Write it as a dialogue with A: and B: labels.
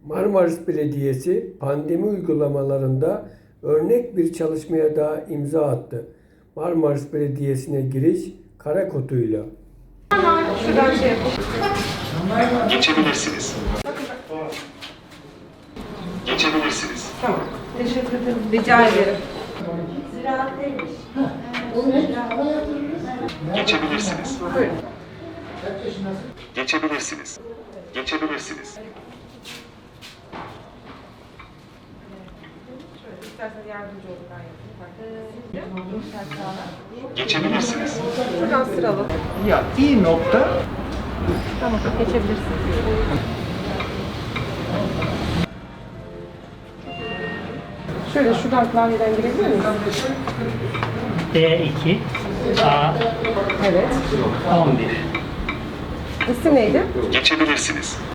A: Marmaris Belediyesi pandemi uygulamalarında örnek bir çalışmaya daha imza attı. Marmaris Belediyesi'ne giriş kara koduyla.
B: Şuradan şey yapalım.
C: Geçebilirsiniz. Geçebilirsiniz.
B: Tamam. Teşekkür ederim. Rica ederim.
C: Geçebilirsiniz.
B: Buyurun.
C: Geçebilirsiniz. Geçebilirsiniz.
B: İsterseniz yardımcı olun, ben yapayım.
C: Geçebilirsiniz.
B: Şuradan sıralı.
D: Ya iyi nokta.
B: Tamam, geçebilirsiniz. Şöyle şuradan klavyeden girebilir miyiz?
E: D2 A
B: Evet.
E: 11.
B: İsim neydi?
C: Geçebilirsiniz.